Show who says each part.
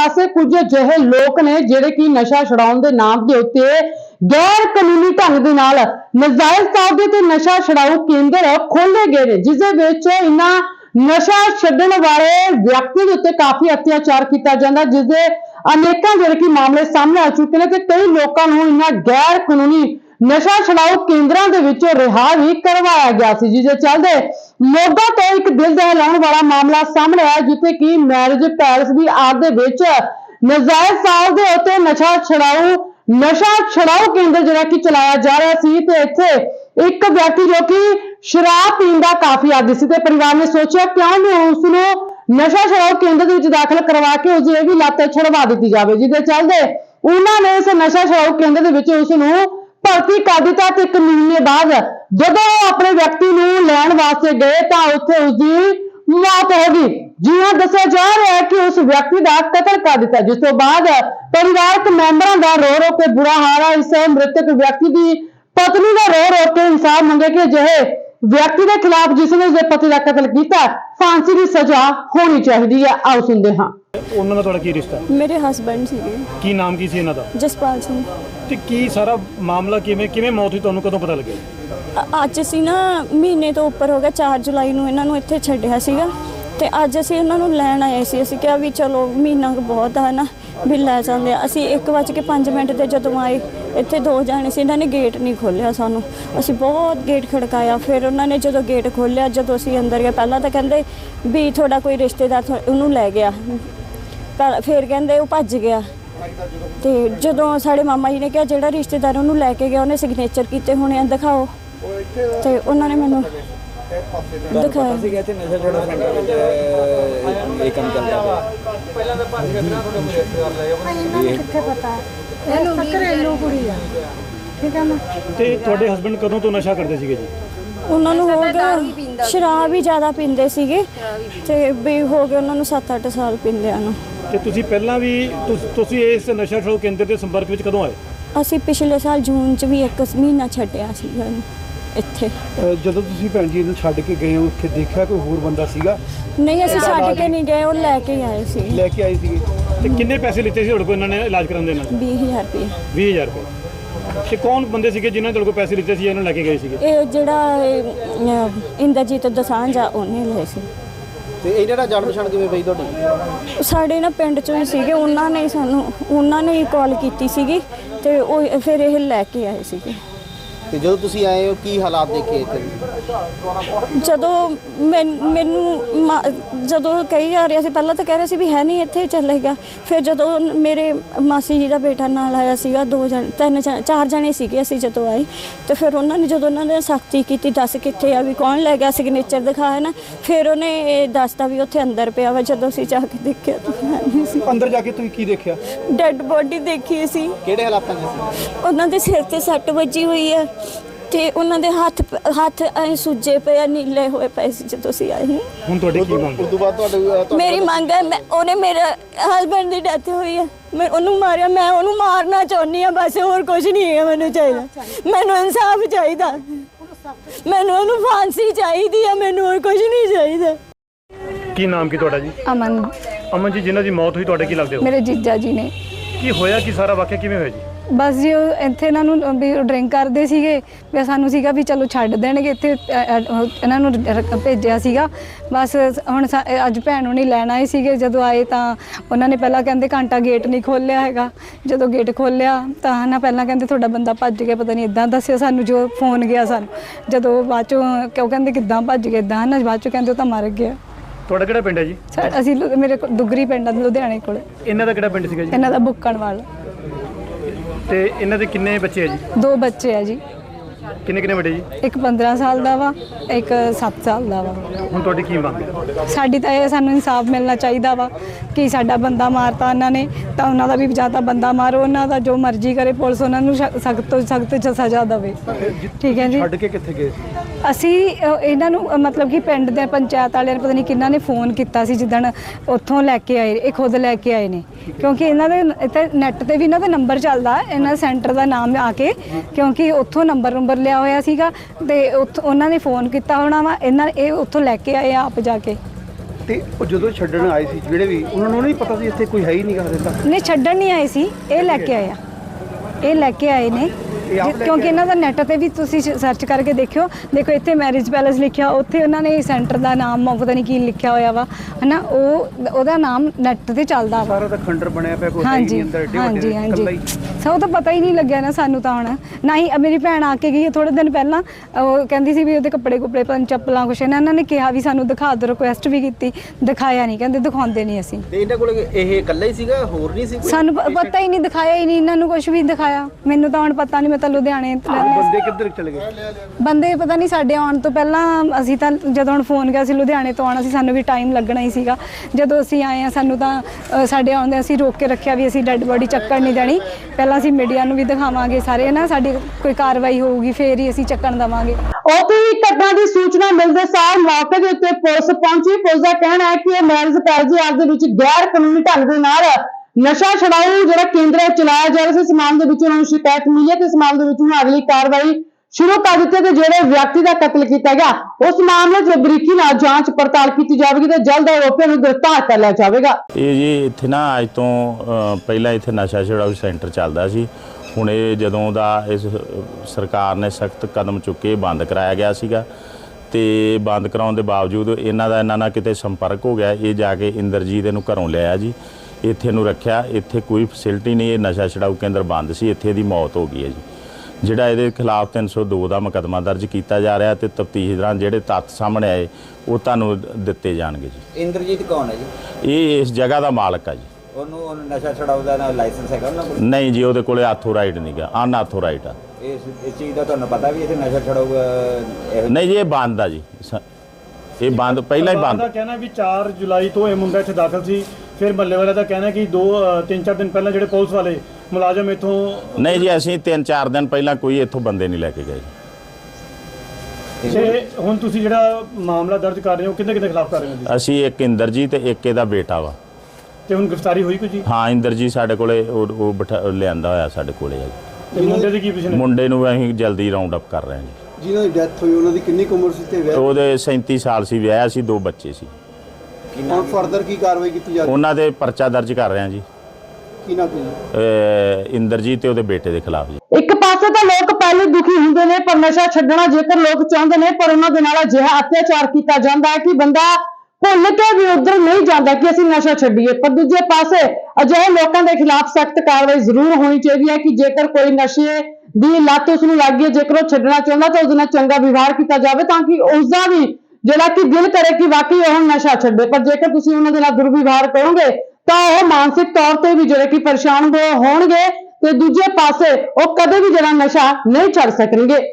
Speaker 1: पासे कुछ अजिहे लोग ने जिहड़े कि नशा छुड़ाउण दे नाम दे उत्ते गैर कानूनी ढंग दे नाल नजायज तौर ते नशा छुड़ाऊ केंद्र खोले गए ने, जिस दे विच इन्हां नशा छड्डण वाले व्यक्ति के उत्ते काफी अत्याचार किया जाता, जिसके अनेकों जिहड़े कि मामले सामने आ चुके हैं। कई लोगों को इन्हां गैर कानूनी नशा छुड़ाऊ केंद्रों के विचों रिहा भी करवाया गया सी, जिस चलते मोगा तो एक दिल दहलाउण वाला मामला सामने आया, जिथे कि मैरिज पैलेस की आड़ दे विच नजायज तौर दे उत्ते नशा छुड़ाऊ केंद्र जिहड़ा कि चलाया जा रहा सी ते इत्थे एक व्यक्ति जो कि शराब पीण दा काफी आदी सी ते परिवार ने सोचा क्यों नहीं उसनूं नशा छुड़ाऊ केंद्र दे विच दाखिल करवा के उसदी ये भी लत छुड़वा दी जाए, जिसके चलते उन्होंने इस नशा छुड़ाऊ केंद्र दे विच उसनूं भर्ती कर दिता। एक महीने बाद जदों अपने व्यक्ति नूं लैण वास्ते गए तो उत्थे उसदी मौत हो गई। जी हाँ, दस्सिया जा रहा है कि उस व्यक्ति का कतल कर दिता, जिस तो बाद परिवारक मैंबरों का रो रो के बुरा हाल है। इस मृतक व्यक्ति की पत्नी ने रो रो के इंसाफ मंगे कि अजिहे व्यक्ति के खिलाफ जिसने उसके पति का कतल किया फांसी की सजा होनी चाहिए है। आओ सुनते हाँ।
Speaker 2: ਉਹਨਾਂ ਨਾਲ ਤੁਹਾਡਾ ਕੀ ਰਿਸ਼ਤਾ?
Speaker 3: मेरे हसबैंड ਸੀਗੇ।
Speaker 2: ਕੀ ਨਾਮ ਕੀ ਸੀ ਇਹਨਾਂ ਦਾ?
Speaker 3: ਜਸਪਾਲ ਸਿੰਘ।
Speaker 2: ਤੇ ਕੀ ਸਾਰਾ ਮਾਮਲਾ ਕਿਵੇਂ ਮੌਤ ਹੋਈ, ਤੁਹਾਨੂੰ ਕਦੋਂ ਪਤਾ ਲੱਗਿਆ?
Speaker 3: ਅੱਜ ਅਸੀਂ ਨਾ ਮਹੀਨੇ ਤੋਂ ਉੱਪਰ ਹੋ ਗਿਆ, 4 ਜੁਲਾਈ ਨੂੰ ਇਹਨਾਂ ਨੂੰ ਇੱਥੇ ਛੱਡਿਆ ਸੀਗਾ ਤੇ ਅੱਜ ਅਸੀਂ ਇਹਨਾਂ ਨੂੰ ਲੈਣ ਆਏ ਸੀ। ਅਸੀਂ ਕਿਹਾ ਵੀ ਚਲੋ ਮਹੀਨਾ ਬਹੁਤ ਹੈ ਨਾ ਵੀ ਲੈ ਜਾਂਦੇ ਆ। ਅਸੀਂ 1:05 ਤੇ ਜਦੋਂ ਆਏ ਇੱਥੇ 2 ਜਾਣੇ ਸੀ, ਇਹਨਾਂ ਨੇ ਗੇਟ ਨਹੀਂ ਖੋਲ੍ਹਿਆ ਸਾਨੂੰ। ਅਸੀਂ ਬਹੁਤ ਗੇਟ ਖੜਕਾਇਆ, ਫਿਰ ਉਹਨਾਂ ਨੇ ਜਦੋਂ ਗੇਟ ਖੋਲ੍ਹਿਆ, ਜਦੋਂ ਅਸੀਂ ਅੰਦਰ ਗਏ ਪਹਿਲਾਂ ਤਾਂ ਕਹਿੰਦੇ ਵੀ ਤੁਹਾਡਾ ਕੋਈ ਰਿਸ਼ਤੇਦਾਰ ਉਹਨੂੰ ਲੈ ਗਿਆ, ਫਿਰ ਕਹਿੰਦੇ ਉਹ ਭੱਜ ਗਿਆ। ਤੇ ਜਦੋਂ ਸਾਡੇ ਮਾਮਾ ਜੀ ਨੇ ਕਿਹਾ ਜਿਹੜਾ ਰਿਸ਼ਤੇਦਾਰ ਉਹਨੂੰ ਲੈ ਕੇ ਗਿਆ ਉਹਨੇ ਸਿਗਨੇਚਰ ਕੀਤੇ ਹੋਣੇ ਆ, ਦਿਖਾਓ। ਤੇ ਉਹਨਾਂ ਨੇ ਮੈਨੂੰ ਦਿਖਾਇਆ ਸੀਗਾ ਤੇ ਨਸ਼ਾ ਛੁਡਾਊ ਸੈਂਟਰ ਵਿੱਚ ਇਹ ਕੰਮ ਚੱਲਦਾ ਪਿਆ। ਪਹਿਲਾਂ ਤਾਂ ਭੱਜ ਗਿਆ ਸੀ, ਕਿੱਥੇ ਪਤਾ ਇਹਨੂੰ ਘਰੇਲੂ ਕੁੜੀ ਆ, ਠੀਕ ਹੈ ਨਾ। ਤੇ ਤੁਹਾਡੇ ਹਸਬੰਡ ਕਦੋਂ ਤੋਂ ਨਸ਼ਾ ਕਰਦੇ ਸੀਗੇ ਜੀ? ਉਹਨਾਂ ਨੂੰ ਹੋ ਗਿਆ ਸ਼ਰਾਬ ਹੀ ਜ਼ਿਆਦਾ ਪੀਂਦੇ ਸੀਗੇ ਤੇ ਵੀ ਹੋ ਗਏ ਉਹਨਾਂ ਨੂੰ 7-8 ਸਾਲ ਪੀਂਦਿਆਂ ਨੂੰ। ਤੇ ਤੁਸੀਂ ਪਹਿਲਾਂ ਵੀ ਤੁਸੀਂ ਇਸ ਨਸ਼ਾ ਛੁਡਾਊ ਕੇਂਦਰ ਦੇ ਸੰਪਰਕ ਵਿੱਚ ਕਦੋਂ ਆਏ? ਅਸੀਂ ਪਿਛਲੇ ਸਾਲ ਜੂਨ 'ਚ ਵੀ 1 ਮਹੀਨਾ ਛੱਡਿਆ ਸੀਗਾ ਇੱਥੇ।
Speaker 4: ਜਦੋਂ ਤੁਸੀਂ ਭੈਣ ਜੀ ਨੂੰ ਛੱਡ ਕੇ ਗਏ ਹੋ ਉੱਥੇ ਦੇਖਿਆ ਕੋਈ ਹੋਰ ਬੰਦਾ ਸੀਗਾ?
Speaker 3: ਨਹੀਂ, ਅਸੀਂ ਛੱਡ ਕੇ ਨਹੀਂ ਗਏ, ਉਹ ਲੈ ਕੇ ਆਏ ਸੀ।
Speaker 4: ਲੈ ਕੇ ਆਏ ਸੀਗੇ।
Speaker 2: ਤੇ ਕਿੰਨੇ ਪੈਸੇ ਲਿੱਤੇ ਸੀ ਤੁਹਾਡੇ ਕੋਲ ਇਹਨਾਂ ਨੇ ਇਲਾਜ ਕਰਨ ਦੇ ਨਾਲ?
Speaker 3: 20,000 ਰੁਪਏ।
Speaker 2: 20,000 ਰੁਪਏ। ਤੇ ਕੌਣ ਬੰਦੇ ਸੀਗੇ ਜਿਨ੍ਹਾਂ ਨੇ ਤੁਹਾਡੇ ਕੋਲ ਪੈਸੇ ਲਿੱਤੇ ਸੀ, ਇਹਨਾਂ ਨੂੰ ਲੈ ਕੇ ਗਏ ਸੀਗੇ?
Speaker 3: ਇਹ ਜਿਹੜਾ ਇੰਦਰਜੀਤ ਦਸਾਂਝ ਆ ਉਹਨੇ ਲਏ ਸੀ।
Speaker 5: ਤੇ ਇਹਨਾਂ ਦਾ ਜਾਣ ਪਛਾਣ ਕਿਵੇਂ ਪਈ ਤੁਹਾਡੀ?
Speaker 3: ਸਾਡੇ ਨਾ ਪਿੰਡ ਚੋਂ ਹੀ ਸੀਗੇ, ਉਹਨਾਂ ਨੇ ਹੀ ਕਾਲ ਕੀਤੀ ਸੀਗੀ ਤੇ ਉਹ ਫਿਰ ਇਹ ਲੈ ਕੇ ਆਏ ਸੀਗੇ।
Speaker 5: ਤੇ ਜਦੋਂ ਤੁਸੀਂ ਆਏ ਹੋ ਕੀ ਹਾਲਾਤ ਦੇਖੇ ਇੱਥੇ?
Speaker 3: ਜਦੋਂ ਮੈਨੂੰ ਜਦੋਂ ਕਹੀ ਜਾ ਰਿਹਾ ਸੀ, ਪਹਿਲਾਂ ਤਾਂ ਕਹਿ ਰਹੇ ਸੀ ਵੀ ਹੈ ਨਹੀਂ ਇੱਥੇ ਚੱਲੇਗਾ। ਫਿਰ ਜਦੋਂ ਮੇਰੇ ਮਾਸੀ ਜੀ ਦਾ ਬੇਟਾ ਨਾਲ ਆਇਆ ਸੀਗਾ, 4 ਜਣੇ ਸੀਗੇ ਅਸੀਂ ਜਦੋਂ ਆਏ, ਤੇ ਫਿਰ ਉਹਨਾਂ ਨੇ ਸਖਤੀ ਕੀਤੀ, ਦੱਸ ਕਿੱਥੇ ਆ, ਵੀ ਕੌਣ ਲੈ ਗਿਆ, ਸਿਗਨੇਚਰ ਦਿਖਾਇਆ ਨਾ। ਫਿਰ ਉਹਨੇ ਦੱਸਤਾ ਵੀ ਉੱਥੇ ਅੰਦਰ ਪਿਆ ਵਾ। ਜਦੋਂ ਅਸੀਂ ਜਾ ਕੇ ਦੇਖਿਆ ਤਾਂ ਹੈ ਨਹੀਂ ਸੀ।
Speaker 4: ਅੰਦਰ ਜਾ ਕੇ ਤੁਸੀਂ ਕੀ ਦੇਖਿਆ?
Speaker 3: ਡੈੱਡ ਬੋਡੀ ਦੇਖੀ ਸੀ।
Speaker 5: ਕਿਹੜੇ ਹਾਲਾਤਾਂ ਵਿੱਚ ਸੀ?
Speaker 3: ਉਹਨਾਂ ਦੇ ਸਿਰ ਤੇ ਸੱਟ ਵੱਜੀ ਹੋਈ ਹੈ ਤੇ ਉਹਨਾਂ ਦੇ ਹੱਥ ਐ ਸੁੱਜੇ ਪਏ, ਨੀਲੇ ਹੋਏ ਪਏ ਸੀ ਜਦੋਂ ਅਸੀਂ ਆਏ।
Speaker 2: ਹੁਣ ਤੁਹਾਡੀ ਕੀ ਮੰਗ?
Speaker 5: ਉਸ ਤੋਂ ਬਾਅਦ
Speaker 3: ਮੇਰੀ ਮੰਗ ਹੈ, ਉਹਨੇ ਮੇਰੇ ਹਸਬੈਂਡ ਦੀ ਡੈਥ ਹੋਈ ਹੈ, ਮੈਂ ਉਹਨੂੰ ਮਾਰਿਆ, ਮੈਂ ਉਹਨੂੰ ਮਾਰਨਾ ਚਾਹੁੰਦੀ ਹਾਂ, ਬਸ ਹੋਰ ਕੁਝ ਨਹੀਂ ਹੈ ਮੈਨੂੰ ਚਾਹੀਦਾ। ਮੈਨੂੰ ਇਨਸਾਫ ਚਾਹੀਦਾ, ਮੈਨੂੰ ਉਹਨੂੰ ਫਾਂਸੀ ਚਾਹੀਦੀ ਹੈ, ਮੈਨੂੰ ਹੋਰ ਕੁਝ ਨਹੀਂ ਚਾਹੀਦਾ।
Speaker 2: ਕੀ ਨਾਮ ਕੀ ਤੁਹਾਡਾ ਜੀ?
Speaker 6: ਅਮਨ।
Speaker 2: ਅਮਨ ਜੀ, ਜਿਨ੍ਹਾਂ ਦੀ ਮੌਤ ਹੋਈ ਤੁਹਾਡੇ ਕੀ ਲੱਗਦੇ ਹੋ?
Speaker 6: ਮੇਰੇ ਜੀਜਾ ਜੀ ਨੇ।
Speaker 2: ਕੀ ਹੋਇਆ, ਕੀ ਸਾਰਾ ਵਾਕਿਆ ਕਿਵੇਂ ਹੋਇਆ ਜੀ?
Speaker 6: ਬਸ ਜੀ ਉਹ ਇੱਥੇ ਇਹਨਾਂ ਨੂੰ ਵੀ ਡਰਿੰਕ ਕਰਦੇ ਸੀਗੇ, ਵੀ ਸਾਨੂੰ ਸੀਗਾ ਵੀ ਚਲੋ ਛੱਡ ਦੇਣਗੇ ਇੱਥੇ, ਇਹਨਾਂ ਨੂੰ ਭੇਜਿਆ ਸੀਗਾ। ਬਸ ਹੁਣ ਅੱਜ ਭੈਣ ਨੂੰ ਨਹੀਂ ਲੈਣ ਆਏ ਸੀਗੇ। ਜਦੋਂ ਆਏ ਤਾਂ ਉਹਨਾਂ ਨੇ ਪਹਿਲਾਂ ਕਹਿੰਦੇ ਘੰਟਾ ਗੇਟ ਨਹੀਂ ਖੋਲ੍ਹਿਆ ਹੈਗਾ। ਜਦੋਂ ਗੇਟ ਖੋਲ੍ਹਿਆ ਤਾਂ ਨਾ ਪਹਿਲਾਂ ਕਹਿੰਦੇ ਤੁਹਾਡਾ ਬੰਦਾ ਭੱਜ ਗਿਆ, ਪਤਾ ਨਹੀਂ ਇੱਦਾਂ ਦੱਸਿਆ ਸਾਨੂੰ ਜੋ ਫੋਨ ਗਿਆ ਸਾਨੂੰ। ਜਦੋਂ ਬਾਅਦ 'ਚੋਂ ਉਹ ਕਹਿੰਦੇ ਕਿੱਦਾਂ ਭੱਜ ਗਿਆ ਇੱਦਾਂ ਨਾ, ਬਾਅਦ 'ਚੋਂ ਕਹਿੰਦੇ ਉਹ ਤਾਂ ਮਰ ਗਿਆ।
Speaker 2: ਤੁਹਾਡਾ ਕਿਹੜਾ ਪਿੰਡ ਹੈ ਜੀ?
Speaker 6: ਅਸੀਂ ਮੇਰੇ ਦੁੱਗਰੀ ਪਿੰਡ ਆ ਲੁਧਿਆਣੇ ਕੋਲ।
Speaker 2: ਇਹਨਾਂ ਦਾ ਕਿਹੜਾ ਪਿੰਡ ਸੀਗਾ ਜੀ?
Speaker 6: ਇਹਨਾਂ ਦਾ ਬੁੱਕਣਵਾਲ।
Speaker 2: ਤੇ ਇਹਨਾਂ ਦੇ ਕਿੰਨੇ ਬੱਚੇ ਆ ਜੀ?
Speaker 6: 2 ਬੱਚੇ ਆ ਜੀ।
Speaker 2: ਕਿੰਨੇ ਬੇਟੇ ਜੀ?
Speaker 6: ਇੱਕ 15 ਸਾਲ ਦਾ ਵਾ, ਇੱਕ 7 ਸਾਲ ਦਾ ਵਾ।
Speaker 2: ਹੁਣ ਤੁਹਾਡੀ ਕੀ ਮੰਗ ਹੈ?
Speaker 6: ਸਾਡੀ ਤਾਂ ਇਹ ਸਾਨੂੰ ਇਨਸਾਫ ਮਿਲਣਾ ਚਾਹੀਦਾ ਵਾ ਕਿ ਸਾਡਾ ਬੰਦਾ ਮਾਰਤਾ ਉਹਨਾਂ ਨੇ, ਤਾਂ ਉਹਨਾਂ ਦਾ ਵੀ ਜਾਂ ਬੰਦਾ ਮਾਰੋ, ਉਹਨਾਂ ਦਾ ਜੋ ਮਰਜ਼ੀ ਕਰੇ ਪੁਲਿਸ, ਉਹਨਾਂ ਨੂੰ ਸਖਤ ਤੋਂ ਸਖਤ ਸਜ਼ਾ ਦੇਵੇ। ਠੀਕ ਹੈ ਜੀ।
Speaker 4: ਛੱਡ ਕੇ ਕਿੱਥੇ ਗਏ?
Speaker 6: ਅਸੀਂ ਇਹਨਾਂ ਨੂੰ ਮਤਲਬ ਕਿ ਪਿੰਡ ਦੇ ਪੰਚਾਇਤ ਵਾਲਿਆਂ ਨੇ ਪਤਾ ਨਹੀਂ ਕਿਹਨਾਂ ਨੇ ਫੋਨ ਕੀਤਾ ਸੀ, ਜਿੱਦਣ ਉੱਥੋਂ ਲੈ ਕੇ ਆਏ, ਇਹ ਖੁਦ ਲੈ ਕੇ ਆਏ ਨੇ। ਕਿਉਂਕਿ ਇਹਨਾਂ ਦੇ ਇੱਥੇ ਨੈੱਟ 'ਤੇ ਵੀ ਇਹਨਾਂ ਦਾ ਨੰਬਰ ਚੱਲਦਾ, ਇਹਨਾਂ ਸੈਂਟਰ ਦਾ ਨਾਮ ਆ ਕੇ, ਕਿਉਂਕਿ ਉੱਥੋਂ ਨੰਬਰ ਲਿਆ ਹੋਇਆ ਸੀਗਾ ਤੇ ਉਹਨਾਂ ਨੇ ਫੋਨ ਕੀਤਾ ਹੋਣਾ ਵਾ। ਇਹ ਉੱਥੋਂ ਲੈ ਕੇ ਆਏ ਆਪ ਜਾ ਕੇ।
Speaker 4: ਤੇ ਉਹ ਜਦੋਂ ਛੱਡਣ ਆਏ ਸੀ ਜਿਹੜੇ ਵੀ ਉਹਨਾਂ ਨੂੰ ਨਹੀਂ ਪਤਾ ਸੀ ਇੱਥੇ ਕੋਈ ਹੈ ਹੀ ਨਹੀਂ ਗਾ ਹਜੇ ਤੱਕ।
Speaker 6: ਨਹੀਂ ਛੱਡਣ ਨਹੀਂ ਆਏ ਸੀ, ਇਹ ਲੈ ਕੇ ਆਏ ਆ, ਇਹ ਲੈ ਕੇ ਆਏ ਨੇ ਕਿਉਂਕਿ ਇਹਨਾਂ ਦਾ ਨੈਟ ਤੇ ਵੀ ਤੁਸੀਂ ਸਰਚ ਕਰਕੇ ਦੇਖਿਓ, ਦੇਖੋ ਇੱਥੇ ਮੈਰਿਜ ਪੈਲੇਸ ਲਿਖਿਆ, ਉੱਥੇ ਉਹਨਾਂ ਨੇ ਸੈਂਟਰ ਦਾ ਨਾਮ ਪਤਾ ਨਹੀਂ ਕੀ ਲਿਖਿਆ ਹੋਇਆ ਵਾ ਹਨਾ, ਉਹਦਾ ਨਾਮ ਨੈਟ ਤੇ ਚੱਲਦਾ ਵਾ।
Speaker 4: ਸਾਰਾ ਤਾਂ ਖੰਡਰ ਬਣਿਆ ਪਿਆ, ਕੋਈ ਹੈ ਹੀ ਨਹੀਂ ਅੰਦਰ, ਏਡੇ ਵੱਡੇ ਇਕੱਲਾ ਹੀ।
Speaker 6: ਸੋ ਤਾਂ ਪਤਾ ਹੀ ਨਹੀਂ ਲੱਗਿਆ ਨਾ ਸਾਨੂੰ ਤਾਂ ਹੁਣ ਨਾ ਹੀ। ਮੇਰੀ ਭੈਣ ਆ ਕੇ ਗਈ ਥੋੜੇ ਦਿਨ ਪਹਿਲਾਂ, ਉਹ ਕਹਿੰਦੀ ਸੀ ਵੀ ਉਹਦੇ ਕੱਪੜੇ ਪਤਾ ਨਹੀਂ ਚੱਪਲਾਂ ਕੁਛ ਇਹਨਾਂ ਨੇ ਕਿਹਾ ਵੀ ਸਾਨੂੰ ਦਿਖਾ ਦਿਓ, ਰਿਕੁਐਸਟ ਵੀ ਕੀਤੀ, ਦਿਖਾਇਆ ਨਹੀਂ, ਕਹਿੰਦੇ ਦਿਖਾਉਂਦੇ ਨਹੀਂ ਅਸੀਂ।
Speaker 5: ਤੇ ਇਹਨਾਂ ਕੋਲ ਇਹ ਇਕੱਲਾ ਹੀ ਸੀਗਾ, ਹੋਰ ਨਹੀਂ ਸੀ ਕੋਈ?
Speaker 6: ਸਾਨੂੰ ਪਤਾ ਹੀ ਨਹੀਂ, ਦਿਖਾਇਆ ਹੀ ਨਹੀਂ ਇਹਨਾਂ ਨੂੰ, ਕੁਝ ਵੀ ਦਿਖਾਇਆ ਮੈਨੂੰ ਤਾਂ ਹੁਣ ਪਤਾ ਨਹੀਂ। ਮੈਂ ਤਾਂ ਲੁਧਿਆਣੇ
Speaker 4: ਬੰਦੇ ਕਿੱਧਰ ਚਲੇ ਗਏ?
Speaker 6: ਬੰਦੇ ਪਤਾ ਨਹੀਂ, ਸਾਡੇ ਆਉਣ ਤੋਂ ਪਹਿਲਾਂ ਅਸੀਂ ਤਾਂ ਜਦੋਂ ਹੁਣ ਫੋਨ ਗਿਆ ਸੀ ਲੁਧਿਆਣੇ ਤੋਂ ਆਉਣਾ ਸੀ, ਸਾਨੂੰ ਵੀ ਟਾਈਮ ਲੱਗਣਾ ਹੀ ਸੀਗਾ। ਜਦੋਂ ਅਸੀਂ ਆਏ ਆ ਸਾਨੂੰ ਤਾਂ ਸਾਡੇ ਆਉਂਦੇ ਅਸੀਂ ਰੋਕ ਕੇ ਰੱਖਿਆ ਵੀ ਅਸੀਂ ਡੈੱਡ ਬੋਡੀ ਚੱਕਣ ਨਹੀਂ ਦੇਣੀ, ਪਹਿਲਾਂ ਅਸੀਂ ਮੀਡੀਆ ਨੂੰ ਵੀ ਦਿਖਾਵਾਂਗੇ ਸਾਰੇ ਨਾ, ਸਾਡੀ ਕੋਈ ਕਾਰਵਾਈ ਹੋਊਗੀ ਫੇਰ ਹੀ ਅਸੀਂ ਚੱਕਣ ਦੇਵਾਂਗੇ।
Speaker 1: ਉੱਥੇ ਹੀ ਘਟਨਾ ਦੀ ਸੂਚਨਾ ਮਿਲਦੇ ਸਾਰ ਮੌਕੇ ਦੇ ਉੱਤੇ ਪੁਲਿਸ ਪਹੁੰਚੀ। ਪੁਲਿਸ ਦਾ ਕਹਿਣਾ ਹੈ ਕਿ ਇਹ ਮੈਰਿਜ ਪੈਲੇਸ ਦੇ ਵਿੱਚ ਗੈਰ ਕਾਨੂੰਨੀ ਢੰਗ ਦੇ ਨਾਲ ਨਸ਼ਾ ਛਡਾਊ ਜਿਹੜਾ ਕੇਂਦਰ ਚਲਾਇਆ ਜਾ ਰਿਹਾ ਸੀ, ਇਸ ਮਾਮਲੇ ਦੇ ਵਿੱਚ ਉਹਨਾਂ ਨੂੰ ਸ਼ਿਕਾਇਤ ਮਿਲੀ ਹੈ ਤੇ ਇਸ ਮਾਮਲੇ ਦੇ ਵਿੱਚ ਹੁਣ ਅਗਲੀ ਕਾਰਵਾਈ ਸ਼ੁਰੂ ਕਰ ਦਿੱਤੀ ਤੇ ਜਿਹੜੇ ਵਿਅਕਤੀ ਦਾ ਕਤਲ ਕੀਤਾ ਗਿਆ ਉਸ ਮਾਮਲੇ 'ਚ ਬਰੀਕੀ ਨਾਲ ਜਾਂਚ ਪੜਤਾਲ ਕੀਤੀ ਜਾਵੇਗੀ ਤੇ ਜਲਦ ਆਰੋਪੀਆਂ ਨੂੰ ਗ੍ਰਿਫਤਾਰ ਕਰ ਲਿਆ ਜਾਵੇਗਾ।
Speaker 7: ਇਹ ਜੀ ਇੱਥੇ ਨਾ ਅੱਜ ਤੋਂ ਪਹਿਲਾਂ ਇੱਥੇ ਨਸ਼ਾ ਛੁਡਾਊ ਸੈਂਟਰ ਚੱਲਦਾ ਸੀ, ਹੁਣ ਇਹ ਜਦੋਂ ਦਾ ਇਸ ਸਰਕਾਰ ਨੇ ਸਖਤ ਕਦਮ ਚੁੱਕੇ ਬੰਦ ਕਰਾਇਆ ਗਿਆ ਸੀਗਾ ਤੇ ਬੰਦ ਕਰਾਉਣ ਦੇ ਬਾਵਜੂਦ ਇਹਨਾਂ ਨਾਲ ਕਿਤੇ ਸੰਪਰਕ ਹੋ ਗਿਆ। ਇਹ ਜਾ ਕੇ ਇੰਦਰਜੀਤ ਇਹਨੂੰ ਘਰੋਂ ਲਿਆਇਆ ਜੀ, ਇੱਥੇ ਨੂੰ ਰੱਖਿਆ, ਇੱਥੇ ਕੋਈ ਫੈਸਿਲਿਟੀ ਨਹੀਂ, ਇਹ ਨਸ਼ਾ ਛੁਡਾਊ ਕੇਂਦਰ ਬੰਦ ਸੀ, ਇੱਥੇ ਦੀ ਮੌਤ ਹੋ ਗਈ ਹੈ ਜੀ। ਜਿਹੜਾ ਇਹਦੇ ਖਿਲਾਫ 302 ਦਾ ਮੁਕੱਦਮਾ ਦਰਜ ਕੀਤਾ ਜਾ ਰਿਹਾ ਤੇ ਤਫਤੀਸ਼ ਦੌਰਾਨ ਜਿਹੜੇ ਤੱਥ ਸਾਹਮਣੇ ਆਏ ਉਹ ਤੁਹਾਨੂੰ ਦਿੱਤੇ ਜਾਣਗੇ ਜੀ।
Speaker 5: ਇੰਦਰਜੀਤ ਕੌਣ ਹੈ ਜੀ?
Speaker 7: ਇਹ ਇਸ ਜਗ੍ਹਾ ਦਾ ਮਾਲਕ ਆ ਜੀ।
Speaker 5: ਉਹਨੂੰ ਨਸ਼ਾ ਛਡਾਊ ਦਾ ਲਾਇਸੈਂਸ ਹੈਗਾ ਉਹਨਾਂ ਕੋਲ?
Speaker 7: ਨਹੀਂ ਜੀ, ਉਹਦੇ ਕੋਲੇ ਆਥੋਰਾਈਡ ਨਹੀਂਗਾ, ਅਨਆਥੋਰਾਈਡ ਆ।
Speaker 5: ਇਸ ਚੀਜ਼ ਦਾ ਤੁਹਾਨੂੰ ਪਤਾ ਵੀ ਇੱਥੇ ਨਸ਼ਾ ਛਡਾਊ
Speaker 7: ਨਹੀਂ ਜੀ, ਇਹ ਬੰਦ ਆ ਜੀ, ਇਹ ਬੰਦ ਪਹਿਲਾਂ ਹੀ ਬੰਦ।
Speaker 2: ਦਾ ਕਹਿਣਾ ਵੀ 4 ਜੁਲਾਈ ਤੋਂ ਇਹ ਮੁੰਡਾ ਇੱਥੇ ਦਾਖਲ ਸੀ, ਫਿਰ ਮੱਲੇ ਵਾਲਾ ਦਾ ਕਹਿਣਾ ਕਿ 3-4 ਦਿਨ ਪਹਿਲਾਂ ਜਿਹੜੇ ਪੁਲਿਸ ਵਾਲੇ ਮੁਲਾਜ਼ਮ ਇੱਥੋਂ
Speaker 7: ਨਹੀਂ ਜੀ, ਅਸੀਂ 3-4 ਦਿਨ ਪਹਿਲਾਂ ਕੋਈ ਇੱਥੋਂ ਬੰਦੇ ਨਹੀਂ ਲੈ ਕੇ ਗਏ।
Speaker 2: ਤੇ ਹੁਣ ਤੁਸੀਂ ਜਿਹੜਾ ਮਾਮਲਾ ਦਰਜ ਕਰ ਰਹੇ ਹੋ ਕਿਹਦੇ ਖਿਲਾਫ ਕਰ ਰਹੇ ਹੋ ਜੀ?
Speaker 7: ਅਸੀਂ ਇੱਕ ਇੰਦਰਜੀਤ ਤੇ ਇੱਕ ਇਹਦਾ ਬੇਟਾ ਵਾ।
Speaker 2: ਤੇ ਹੁਣ ਗ੍ਰਿਫਤਾਰੀ ਹੋਈ ਕੋਈ ਜੀ?
Speaker 7: ਹਾਂ, ਇੰਦਰਜੀਤ ਸਾਡੇ ਕੋਲੇ ਉਹ ਲਿਆਂਦਾ ਹੋਇਆ ਸਾਡੇ ਕੋਲੇ ਆ ਜੀ।
Speaker 2: ਤੇ ਮੁੰਡੇ ਦੀ ਕੀ ਪੋਜੀਸ਼ਨ ਹੈ?
Speaker 7: ਮੁੰਡੇ ਨੂੰ ਅਸੀਂ ਜਲਦੀ ਰਾਉਂਡ ਅਪ ਕਰ ਰਹੇ ਹਾਂ ਜੀ।
Speaker 4: ਜਿਨ੍ਹਾਂ ਦੀ ਡੈਥ ਹੋਈ ਉਹਨਾਂ ਦੀ ਕਿੰਨੀ ਕੁ ਉਮਰ ਸੀ ਤੇ ਵਿਆਹ?
Speaker 7: ਉਹਦੇ 37 ਸਾਲ ਸੀ, ਵਿਆਹਿਆ ਸੀ, 2 ਬੱਚੇ ਸੀ।
Speaker 4: ਹੁਣ ਫਰਦਰ ਕੀ ਕਾਰਵਾਈ ਕੀਤੀ ਜਾ ਰਹੀ ਹੈ?
Speaker 7: ਉਹਨਾਂ ਦੇ ਪਰਚਾ ਦਰਜ ਕਰ ਰਹੇ ਹਾਂ ਜੀ,
Speaker 4: ਕੀ ਨਾ ਕੋਈ
Speaker 7: ਇੰਦਰਜੀਤ ਤੇ ਉਹਦੇ ਬੇਟੇ ਦੇ ਖਿਲਾਫ ਜੀ।
Speaker 1: ਇੱਕ ਪਾਸੇ ਤਾਂ ਲੋਕ ਪਹਿਲੇ ਦੁਖੀ ਹੁੰਦੇ ਨੇ ਪਰ ਨਸ਼ਾ ਛੱਡਣਾ ਜੇਕਰ ਲੋਕ ਚਾਹੁੰਦੇ ਨੇ ਪਰ ਉਹਨਾਂ ਦੇ ਨਾਲ ਅਜਿਹਾ ਅਤਿਆਚਾਰ ਕੀਤਾ ਜਾਂਦਾ ਹੈ ਕਿ ਬੰਦਾ ਭੁੱਲ ਕੇ ਵੀ ਉਧਰ ਨਹੀਂ ਜਾਂਦਾ ਕਿ ਅਸੀਂ ਨਸ਼ਾ ਛੱਡੀਏ। ਪਰ ਦੂਜੇ ਪਾਸੇ ਅਜਿਹੇ ਲੋਕਾਂ ਦੇ ਖਿਲਾਫ ਸਖਤ ਕਾਰਵਾਈ ਜ਼ਰੂਰ ਹੋਣੀ ਚਾਹੀਦੀ ਹੈ ਕਿ ਜੇਕਰ ਕੋਈ ਨਸ਼ੇ ਦੀ ਲੱਤ ਉਸ ਨੂੰ ਲੱਗ ਗਈ, ਜੇਕਰ ਉਹ ਛੱਡਣਾ ਚਾਹੁੰਦਾ ਤਾਂ ਉਹਦੇ ਨਾਲ ਚੰਗਾ ਵਿਵਹਾਰ ਕੀਤਾ ਜਾਵੇ ਤਾਂ ਕਿ ਉਸਦਾ ਵੀ ਜਿਹੜਾ ਕਿ ਦਿਲ ਕਰੇ ਕਿ ਵਾਕਈ ਉਹ ਨਸ਼ਾ ਛੱਡੇ। ਪਰ ਜੇਕਰ ਤੁਸੀਂ ਉਹਨਾਂ ਦੇ ਨਾਲ ਦੁਰਵਿਵਹਾਰ ਕਰੋਗੇ ਤਾਂ ਉਹ ਮਾਨਸਿਕ ਤੌਰ ਤੇ ਵੀ ਜਿਹੜੇ ਕਿ ਪਰੇਸ਼ਾਨ ਹੋਣਗੇ ਤੇ ਦੂਜੇ ਪਾਸੇ ਉਹ ਕਦੇ ਵੀ ਜਿਹੜਾ ਨਸ਼ਾ ਨਹੀਂ ਛੱਡ ਸਕਣਗੇ।